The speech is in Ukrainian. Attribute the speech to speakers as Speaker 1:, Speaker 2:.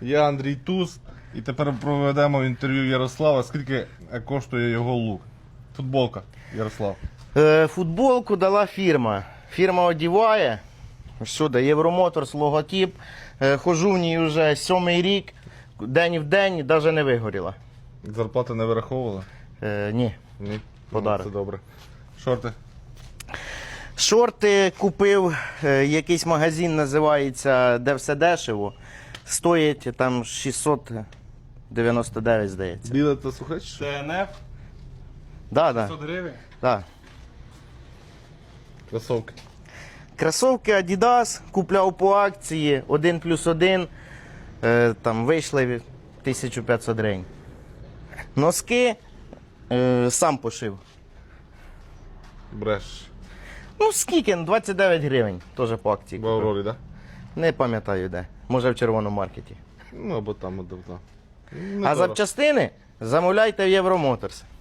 Speaker 1: Я Андрій Туз. І тепер проведемо інтерв'ю Ярослава. Скільки коштує його лук? Футболка, Ярослав.
Speaker 2: Футболку дала фірма. Фірма одіває. Сюди, Євромоторс, логотип. Хожу в ній вже 7-й рік. День в день, навіть не вигоріла.
Speaker 1: Зарплати не вираховували?
Speaker 2: Ні.
Speaker 1: Ні.
Speaker 2: Подарок.
Speaker 1: Це добре. Шорти?
Speaker 2: Шорти купив, якийсь магазин називається «Де все дешево». Стоїть там 699, здається.
Speaker 1: Біле та сухе? чи що?
Speaker 3: ТНФ,
Speaker 2: Да,
Speaker 3: 500
Speaker 2: да,
Speaker 3: гривень.
Speaker 2: да.
Speaker 1: Кросовки.
Speaker 2: Кросовки Adidas купляв по акції 1+1, там вийшли 1500 гривень. Носки сам пошив.
Speaker 1: Бреш.
Speaker 2: Ну скільки? 29 гривень, теж по акції.
Speaker 1: В Аврорі, так? Да?
Speaker 2: Не пам'ятаю де. Може в червоному маркеті.
Speaker 1: Ну або там, або там.
Speaker 2: А запчастини замовляйте в Євромоторс.